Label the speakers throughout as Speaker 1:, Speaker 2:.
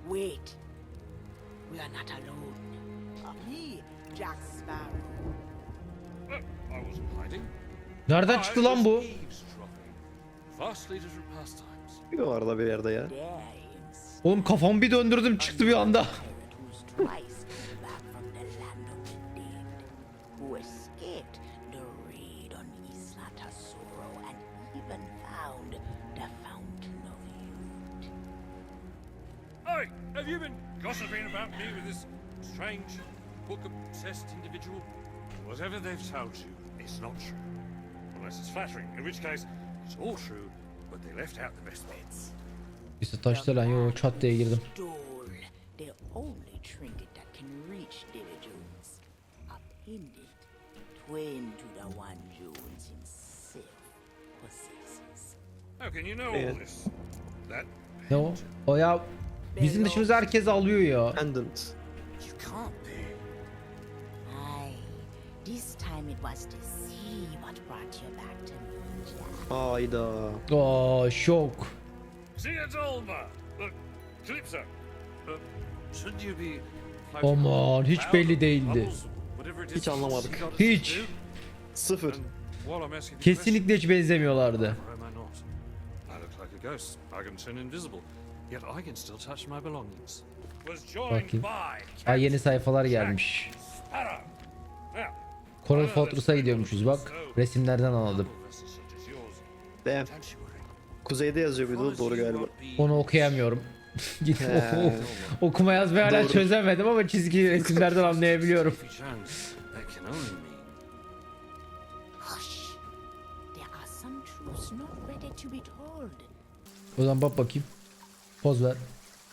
Speaker 1: Wait. We are not alone. Me, Jack Sparrow.
Speaker 2: I wasn't hiding.
Speaker 3: Nereden çıktı lan bu?
Speaker 2: Vastly different pastimes.
Speaker 4: Bir de var da bir yerde ya.
Speaker 1: Dares.
Speaker 3: Oğlum kafamı bir döndürdüm çıktı bir anda.
Speaker 1: Who's twice came back from the land of the dead. Who escaped the raid on Isla Tesoro and even found the Fountain of Youth.
Speaker 2: Hey, have you been gossiping about me with this strange, book-obsessed individual? Whatever they've told you, it's not true. Unless it's flattering, in which case, it's all true, but they left out the best bits.
Speaker 3: İşte taşta lan yo çat diye girdim.
Speaker 1: Stole the only trinket that can reach Davy Jones. Appended twin to the one Jones himself possesses.
Speaker 2: How can you know all this? That
Speaker 3: Ne o? O ya bizim dışımızda herkes alıyor ya.
Speaker 4: Pendant.
Speaker 2: you can't be.
Speaker 1: Aye, this time it was to see what brought you back to me, Jack.
Speaker 4: Hayda.
Speaker 3: Aa şok.
Speaker 2: See, it's Olma. Look, Calypso. Shouldn't you be?
Speaker 3: Aman hiç belli değildi.
Speaker 4: Hiç anlamadık.
Speaker 3: Hiç.
Speaker 4: Sıfır.
Speaker 3: Kesinlikle hiç benzemiyorlardı.
Speaker 2: Am I not? I look like a ghost. I can turn invisible. Yet I can still touch my belongings. Was joined
Speaker 3: Bakayım.
Speaker 2: by
Speaker 3: Ha yeni sayfalar gelmiş.
Speaker 2: Sparrow. Now,
Speaker 3: Coral Fortress'a gidiyormuşuz bak. Resimlerden anladım.
Speaker 4: Damn. Kuzeyde yazıyor bir de doğru galiba.
Speaker 3: Onu okuyamıyorum. Git
Speaker 4: He.
Speaker 3: okuma yazmayı hala
Speaker 4: Doğru.
Speaker 3: çözemedim ama çizgi resimlerden anlayabiliyorum.
Speaker 2: If you chose, that can only mean
Speaker 1: Hush! There are some truths not ready to be told.
Speaker 3: O zaman bak bakayım. Poz ver.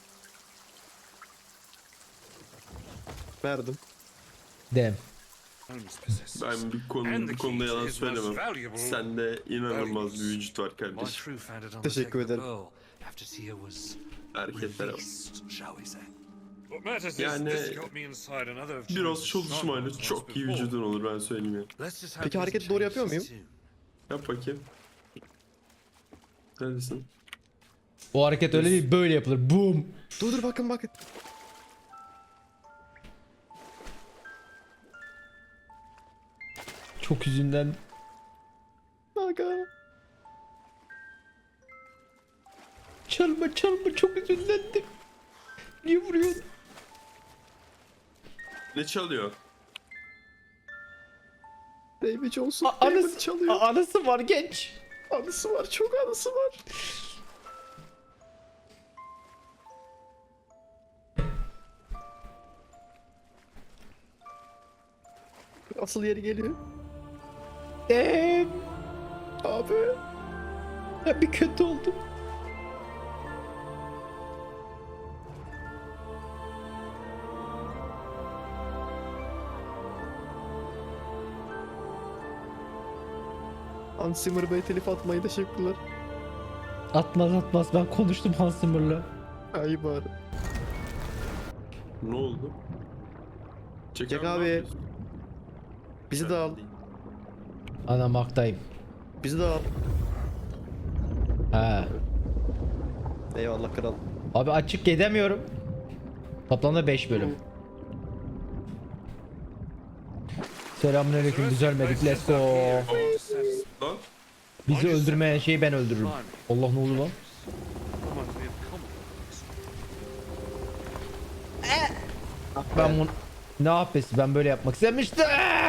Speaker 4: Verdim.
Speaker 3: Dem.
Speaker 2: owns possess.
Speaker 5: Ben bir konuda yalan söylemem. Sende inanılmaz bir vücut var
Speaker 2: My
Speaker 5: kardeşim.
Speaker 2: crew found it on the
Speaker 4: Teşekkür
Speaker 2: deck of the
Speaker 4: ederim.
Speaker 2: Pearl after Tia was
Speaker 5: Hareketlere bak.
Speaker 2: released, shall we say. What matters is
Speaker 5: Yani
Speaker 2: this got me inside another of
Speaker 5: Biraz
Speaker 2: Jones's
Speaker 5: çalışmayla
Speaker 2: strongholds
Speaker 5: çok iyi
Speaker 2: before.
Speaker 5: vücudun olur ben söyleyeyim ya.
Speaker 2: Let's just hope
Speaker 4: Peki
Speaker 2: this
Speaker 4: hareketi doğru yapıyor
Speaker 2: changes
Speaker 4: muyum?
Speaker 2: too.
Speaker 5: Yap bakayım. Neredesin?
Speaker 3: O hareket öyle değil böyle yapılır. Boom.
Speaker 4: Dur bakın bakın.
Speaker 3: Çok yüzünden.
Speaker 4: Aga.
Speaker 3: Çalma çok üzünlendim. Niye vuruyorsun?
Speaker 5: Ne çalıyor?
Speaker 4: David Jones'un
Speaker 3: Anısı,
Speaker 4: David çalıyor.
Speaker 3: anısı var genç.
Speaker 4: Anısı var, çok anısı var. Asıl yeri geliyor.
Speaker 3: Dem.
Speaker 4: Abi.
Speaker 3: Ben bir kötü oldum.
Speaker 4: Hans Zimmer Bey telif atmayı teşekkürler.
Speaker 3: Atmaz ben konuştum Hans Zimmer'la.
Speaker 4: Ay bari.
Speaker 5: Ne oldu?
Speaker 4: Jack
Speaker 5: ne
Speaker 4: abi.
Speaker 5: yapıyorsun?
Speaker 4: Bizi de al.
Speaker 3: Anam haktayım.
Speaker 4: Bizi de al.
Speaker 3: Ha.
Speaker 4: Eyvallah kral.
Speaker 3: Abi açık gidemiyorum. Toplamda 5 bölüm. Selamünaleyküm düzelmedik let's go.
Speaker 5: Lan
Speaker 3: Bizi öldürmeyen şeyi ben öldürürüm. Allah ne oldu lan?
Speaker 2: Reminds me of comic books.
Speaker 3: Ben bunu... Ne yapıyorsun? Ben böyle yapmak istemiştim.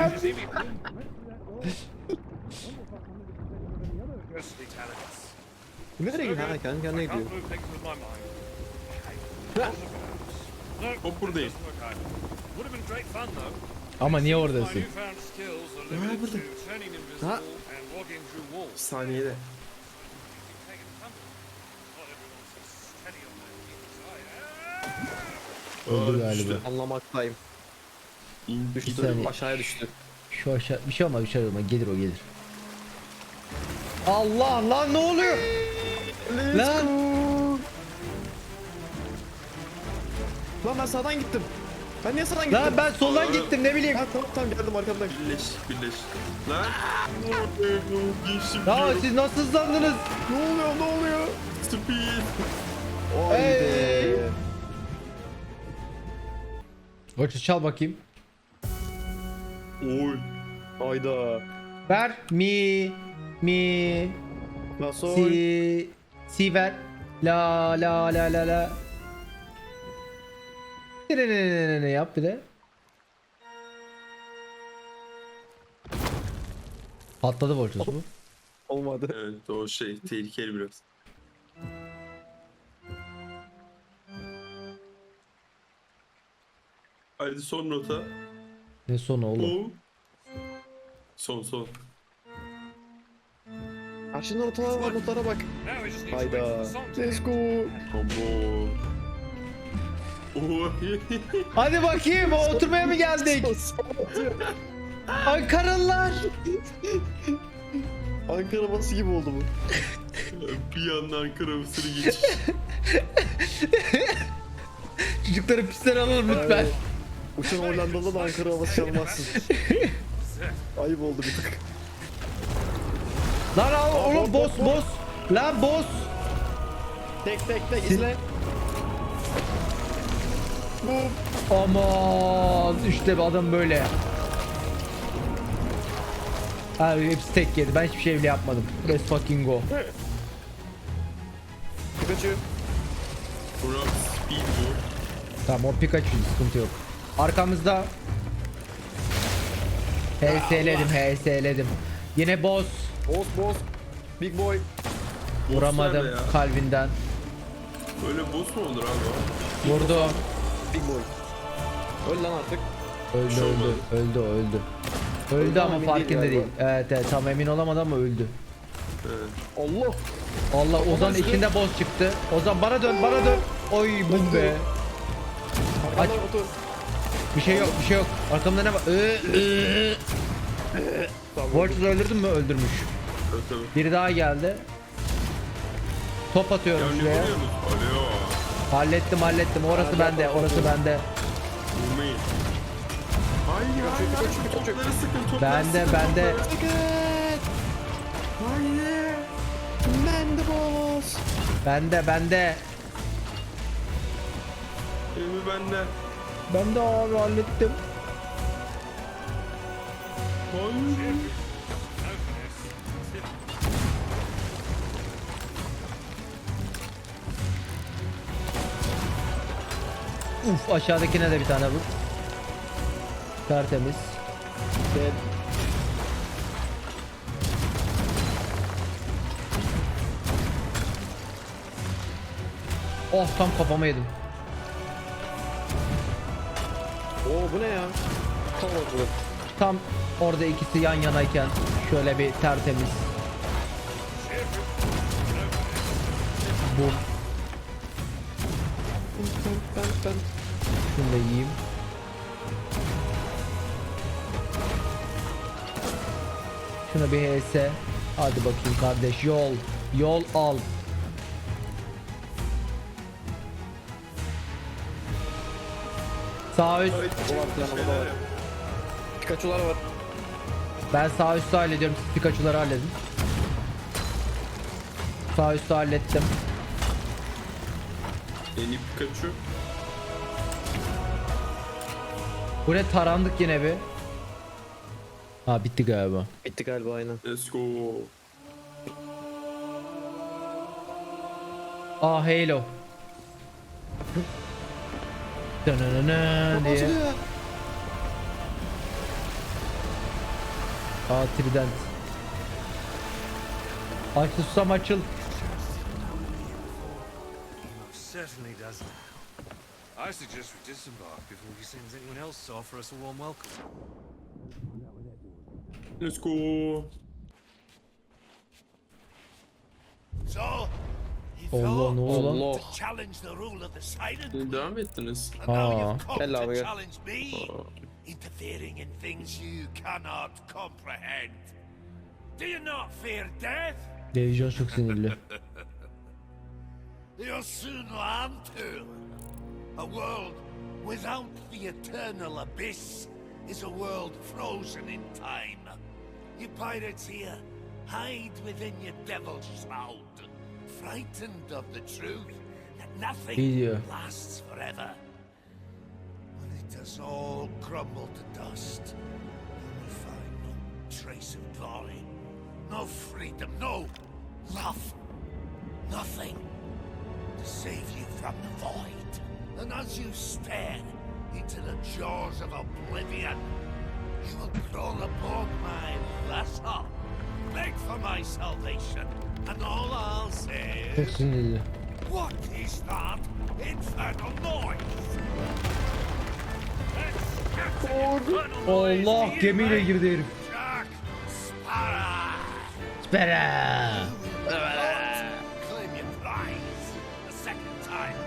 Speaker 2: Ghostly talents.
Speaker 4: Nereye gidiyor? Ha kendi kendine
Speaker 2: I can't
Speaker 4: gidiyor.
Speaker 2: move things with my mind. No,
Speaker 5: hop buradayım.
Speaker 2: doesn't work out. Would have been great fun though.
Speaker 3: Ama niye
Speaker 2: My
Speaker 3: oradasın?
Speaker 2: newfound skills are limited
Speaker 4: burada?
Speaker 2: to turning invisible
Speaker 4: Ha?
Speaker 2: and walking through walls.
Speaker 5: Saniyede.
Speaker 2: Taking tumbles. Not everyone's as steady on their feet as I am.
Speaker 3: Öldü
Speaker 5: Aa,
Speaker 3: galiba.
Speaker 5: düştü.
Speaker 4: Anlamaktayım.
Speaker 5: İn,
Speaker 4: Düştü.
Speaker 3: saniye.
Speaker 4: Aşağıya düştü.
Speaker 3: Şu aşağı bir şey olmaz bir şey olmaz gelir o gelir. Allah lan ne oluyor? Lan
Speaker 4: Lan ben sağdan gittim. Ben niye sağdan gittim?
Speaker 3: lan ben soldan gittim ne bileyim.
Speaker 4: Ha tamam geldim arkamdan.
Speaker 5: Birleş. Lan. Geçtim.
Speaker 3: Ya siz nasıl hızlandınız?
Speaker 4: Ne oluyor?
Speaker 5: Speed.
Speaker 4: Haydi.
Speaker 3: Watches çal bakayım.
Speaker 5: Oy.
Speaker 4: Hayda.
Speaker 3: Ver. Mi.
Speaker 4: Nasıl?
Speaker 3: Si ver. La. Ne yap bir de. Patladı Voltus bu.
Speaker 4: Olmadı.
Speaker 5: Evet o şey tehlikeli biraz. Haydi son nota.
Speaker 3: Ne sonu oğlum?
Speaker 5: O. Son.
Speaker 4: Karşında notalar var, notlara bak.
Speaker 2: Now we just need to wait
Speaker 4: Hayda.
Speaker 2: for the song to
Speaker 4: Let's
Speaker 2: end.
Speaker 4: go.
Speaker 5: Abo. Oy.
Speaker 3: Hadi bakayım oturmaya mı geldik? Ankaralılar.
Speaker 4: Ankara bası gibi oldu bu.
Speaker 5: Bir anda Ankara Mısır'ı geçiş.
Speaker 3: Çocukları pistten alalım lütfen.
Speaker 4: Uçan Hollandalı da Ankara havası çalmazsın. Ayıp oldu bir tık.
Speaker 3: Lan oğlum boss. Lan boss.
Speaker 4: Tek izle.
Speaker 3: Aman işte bir adam böyle. Abi hepsi tek yedi. Ben hiçbir şey bile yapmadım. Let's fucking go.
Speaker 4: Pikachu.
Speaker 5: Burak speed bu.
Speaker 3: Tamam o Pikachu sıkıntı yok. Arkamızda. HS'ledim. Yine boss.
Speaker 4: Boss. Big boy.
Speaker 3: Vuramadım
Speaker 5: nerede ya?
Speaker 3: kalbinden.
Speaker 5: Böyle boss mu olur abi?
Speaker 3: Vurdu.
Speaker 4: Big boy. Öl lan artık.
Speaker 3: Öldü. Öldü ama
Speaker 4: emin
Speaker 3: farkında
Speaker 4: değil
Speaker 3: değil.
Speaker 4: galiba.
Speaker 3: Evet tam emin olamadı ama öldü.
Speaker 5: Evet.
Speaker 4: Allah.
Speaker 3: Allah Ozan
Speaker 4: Ozan
Speaker 3: içinde boss çıktı. Ozan bana dön. Oy bum be.
Speaker 4: Arkadan otur.
Speaker 3: Bir şey yok. Arkamda ne var?
Speaker 4: Tamam.
Speaker 3: Voltus öldürdün mü? Öldürmüş.
Speaker 5: Evet tabii.
Speaker 3: Biri daha geldi. Top
Speaker 5: Ya
Speaker 3: atıyorum
Speaker 5: ne
Speaker 3: şuraya.
Speaker 5: vuruyorsunuz? Alo.
Speaker 3: Hallettim. Orası bende.
Speaker 5: Vurmayın. Hayır.
Speaker 4: Pikachu.
Speaker 5: Topları sıkın. Topları
Speaker 3: Bende.
Speaker 4: Hayır. Ben de boss.
Speaker 3: Bende.
Speaker 5: Elimi bende.
Speaker 3: Ben de abi hallettim.
Speaker 5: Hayır.
Speaker 3: Uf aşağıdakine de bir tane vur. Tertemiz.
Speaker 4: Dead.
Speaker 3: Oh tam kafama yedim.
Speaker 4: Oo bu ne ya? Kavaklı.
Speaker 3: Tam orada ikisi yan yanayken şöyle bir tertemiz. Bu.
Speaker 4: Ben.
Speaker 3: Şunu da yiyeyim. Şuna bir HS. Hadi bakayım kardeş yol al. Sağ üst.
Speaker 4: Pikachu'lar var.
Speaker 3: Ben sağ üstü hallediyorum. Siz Pikachu'ları halledin. Sağ üstü hallettim.
Speaker 5: En iyi Pikachu.
Speaker 3: Bu ne tarandık yine bir. Ha bitti galiba.
Speaker 4: Bitti galiba aynen.
Speaker 5: Let's go.
Speaker 3: Aa Halo. Dönönönön diye. Aa Trident. Aç susam açıl.
Speaker 2: Most certainly does now. I suggest we disembark before he sends anyone else to offer us a warm welcome.
Speaker 5: Let's go.
Speaker 6: So, you
Speaker 3: Allah
Speaker 6: thought
Speaker 3: ne oldu lan?
Speaker 4: Allah.
Speaker 6: to challenge the rule of the Siren?
Speaker 5: Devam ettiniz.
Speaker 6: And now
Speaker 3: Aa.
Speaker 6: you've come
Speaker 4: Gel abi,
Speaker 6: to
Speaker 4: gel.
Speaker 6: challenge me, interfering in things you cannot comprehend. Do you not fear death?
Speaker 3: Televizyon çok sinirli.
Speaker 6: You'll soon learn to. A world without the eternal abyss is a world frozen in time. You pirates here, hide within your devil's shroud, frightened of the truth that nothing
Speaker 3: İyi diyor.
Speaker 6: lasts forever. Well, it has all crumbled to dust. You will find no trace of glory, no freedom, no love, nothing to save you from the void. And as you stare into the jaws of oblivion, you will crawl aboard my vessel, beg for my salvation, and all I'll say
Speaker 3: Çok
Speaker 6: is,
Speaker 3: sinirli.
Speaker 6: what is that infernal noise?
Speaker 3: Allah, gemiyle girdi herif.
Speaker 6: Jack Sparrow!
Speaker 3: Spera.
Speaker 6: Claim your prize a second time.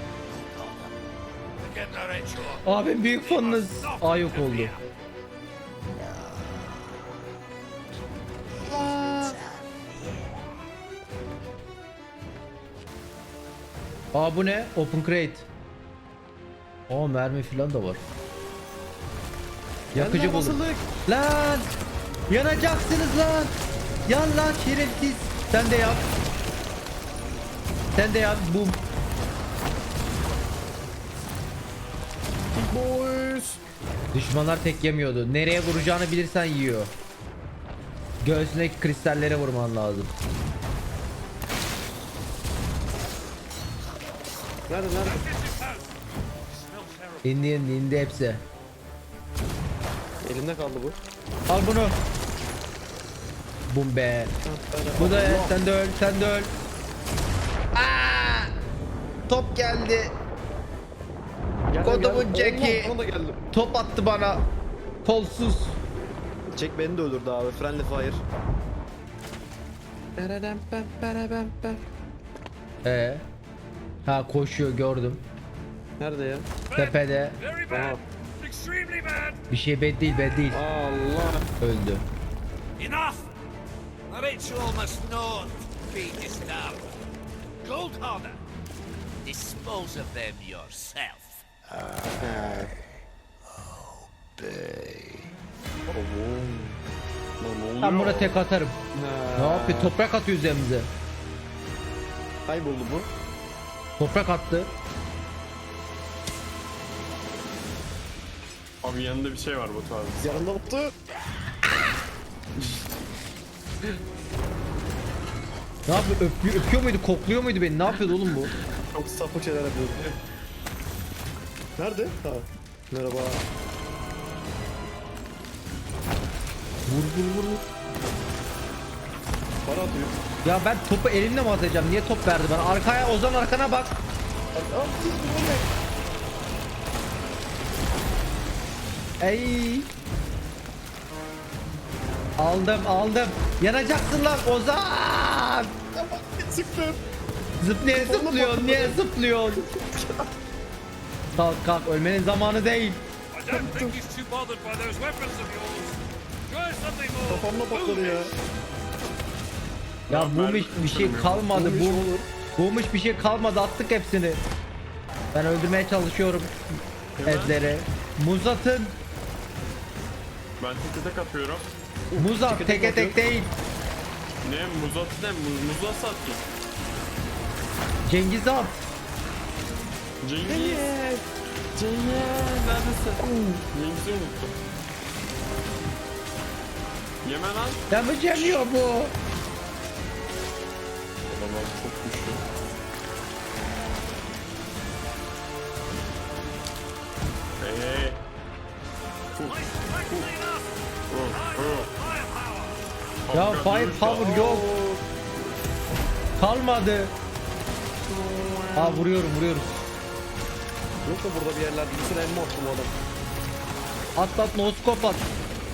Speaker 6: Begin the ritual.
Speaker 3: Abim büyük fanınız. Aa, yok oldu. Aa, bu ne? Open crate. Aa, mermi falan da var. Yakıcı
Speaker 4: Yanına
Speaker 3: buldum.
Speaker 4: basıldık.
Speaker 3: Lan! Yanacaksınız lan! Yan lan şerefsiz. Sen de yap. Sen de yap. Bum.
Speaker 4: Big boys.
Speaker 3: Düşmanlar tek yemiyordu. Nereye vuracağını bilirsen yiyor. Göğsündeki kristallere vurman lazım.
Speaker 4: Nerede?
Speaker 3: İndi hepsi.
Speaker 4: Elimde kaldı bu.
Speaker 3: Al bunu. Bum be. Bu da sen de öl, sen de öl. Aa! Top geldi. Kodumun Jack'i.
Speaker 4: Ona da geldim.
Speaker 3: Top attı bana. Kolsuz.
Speaker 4: Jack beni de öldürdü abi. Friendly fire.
Speaker 3: Ha, koşuyor, gördüm.
Speaker 4: Nerede ya?
Speaker 3: Tepede.
Speaker 2: Very bad. Extremely bad.
Speaker 3: Bir şey bed değil.
Speaker 4: Allah.
Speaker 3: Öldü.
Speaker 6: Enough! The ritual must not be disturbed. Gold Hoarder, dispose of them yourself.
Speaker 3: Ben buna tek atarım. Ne yapıyor? Toprak atıyor üzerimize.
Speaker 4: Kayboldu bu.
Speaker 3: Toprak attı.
Speaker 5: Abi yanında bir şey var Batu abi.
Speaker 4: Yanında tuttu.
Speaker 3: Ne yapıyor? Öpüyor muydu? Kokluyor muydu beni? Ne yapıyordu oğlum bu?
Speaker 4: Çok sapık şeyler yapıyor. Nerede? Ha. Merhaba.
Speaker 3: Vur.
Speaker 4: Para atıyor.
Speaker 3: Ya ben topu elimle mi atacağım? Niye top verdi bana? Arkaya, Ozan arkana bak. Ey. Aldım. Yanacaksın lan Ozan.
Speaker 4: Sıktım.
Speaker 3: Niye zıplıyorsun? Niye zıplıyorsun? Kalk, ölmenin zamanı değil.
Speaker 2: I don't think he's too bothered by those weapons of yours. Try something more.
Speaker 4: Kafamla patladı ya.
Speaker 3: Ya bu bir şey kalmadı.
Speaker 4: Bulmuş olur.
Speaker 3: Bulmuş bir şey kalmadı. Attık hepsini. Ben öldürmeye çalışıyorum Edler'i. Muz atın.
Speaker 5: Ben tek atıyorum.
Speaker 3: Muz at. Teke tek değil.
Speaker 5: Ne muzat ne muz nasıl attın?
Speaker 3: Cengiz at.
Speaker 5: Cengiz. Neredesin? Cengiz'i unuttum. Yeme lan.
Speaker 3: Yemeyemiyor bu.
Speaker 5: Adamlar çok güçlü. Hey.
Speaker 3: Ya firepower yok. Kalmadı. Aa, vuruyoruz.
Speaker 4: Yok da burada bir yerlerde ikisine elma attı bu adam.
Speaker 3: At noskop at.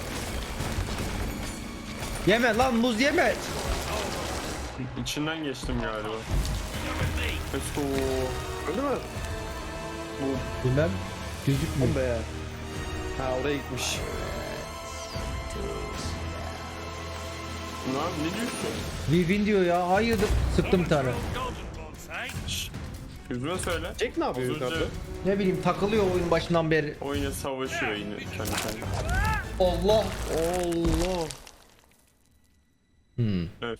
Speaker 3: Yeme lan, muz yeme.
Speaker 5: İçinden geçtim galiba. Let's go.
Speaker 4: Öldü mü?
Speaker 3: Bilmem. Gözükmüyor.
Speaker 4: Be. Ha, oraya gitmiş.
Speaker 5: Lan ne diyorsun?
Speaker 3: We win diyor ya. Hayırdır? Sıktım bir tane.
Speaker 5: Şşş. Yüzüme söyle.
Speaker 4: Jack ne yapıyor
Speaker 5: Az önce
Speaker 4: yukarıda?
Speaker 3: Ne bileyim, takılıyor oyun başından beri.
Speaker 5: oyuna savaşıyor yine kendi kendine.
Speaker 3: Allah.
Speaker 4: Allah.
Speaker 5: Evet.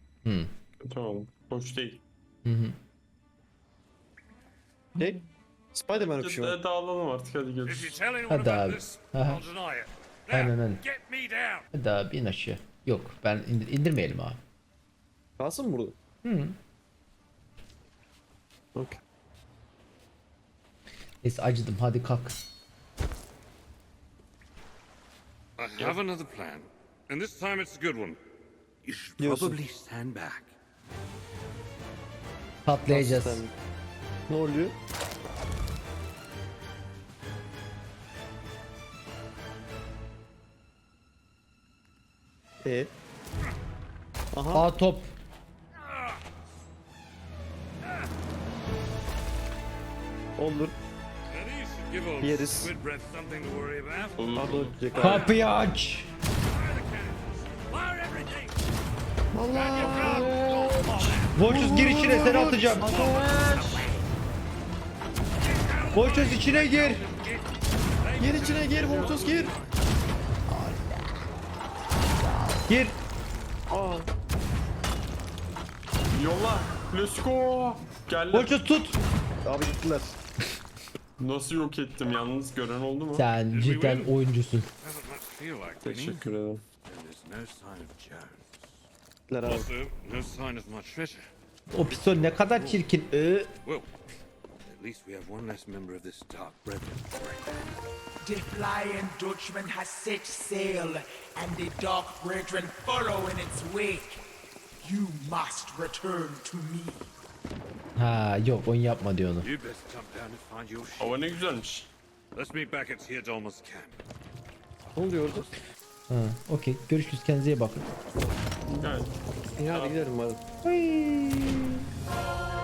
Speaker 3: Hmm.
Speaker 5: Tamam. Hoş değil.
Speaker 3: Hı hı.
Speaker 4: Jack. Spider-Man öpüşü var.
Speaker 5: Dağılalım artık hadi
Speaker 2: If you
Speaker 5: görüşürüz.
Speaker 2: tell anyone
Speaker 3: Hadi
Speaker 2: about
Speaker 3: abi.
Speaker 2: this,
Speaker 3: Aha.
Speaker 2: I'll deny it.
Speaker 3: Aynen
Speaker 2: Now,
Speaker 3: öyle.
Speaker 2: get me down.
Speaker 3: Hadi abi in aşağı. Yok ben indirmeyelim abi.
Speaker 4: Kalsın mı burada?
Speaker 3: Hı.
Speaker 4: Okey.
Speaker 3: Neyse acıdım hadi kalk.
Speaker 2: I have another plan, and this time it's a good one. You should
Speaker 4: Diyorsun.
Speaker 2: probably stand back.
Speaker 3: Patlayacağız.
Speaker 4: Sen- Ne oluyor? Aha.
Speaker 3: Aa top.
Speaker 4: Olur.
Speaker 2: Now, these should give old
Speaker 4: Yeriz.
Speaker 2: squid breath something to worry about.
Speaker 4: Pardon öpecek abi.
Speaker 3: Kapıyı aç.
Speaker 2: Fire the cannons! Fire everything!
Speaker 4: Allah.
Speaker 3: Volchus gir içine seni atacağım. Volchus içine gir.
Speaker 4: Gir içine gir Voltus gir.
Speaker 3: Gir.
Speaker 4: Aa.
Speaker 5: Yolla. Let's go. Gel.
Speaker 3: Volchus tut.
Speaker 4: Abi gittiler.
Speaker 5: Nasıl yok ettim yalnız gören oldu mu?
Speaker 3: Sen cidden oyuncusun.
Speaker 2: Doesn't much feel like winning.
Speaker 5: Teşekkür ederim.
Speaker 2: And there's no sign of Jones.
Speaker 4: Gittiler abi.
Speaker 2: Also, no sign of my treasure.
Speaker 3: O pistol ne kadar çirkin.
Speaker 2: Well, at least we have one less member of this Dark Brethren.
Speaker 7: The Flying Dutchman has set sail, and the Dark Brethren follow in its wake. You must return to me.
Speaker 3: Ha yok oyun yapma diyor onu.
Speaker 2: You best jump down and find your ship.
Speaker 5: Hava ne güzelmiş.
Speaker 2: Let's meet back at Theodolmus camp.
Speaker 4: Ne oluyor orada?
Speaker 3: Ha okey görüşürüz kendinize iyi bakın.
Speaker 5: Gayet.
Speaker 4: İyi hadi gidelim hadi.
Speaker 3: Hıy.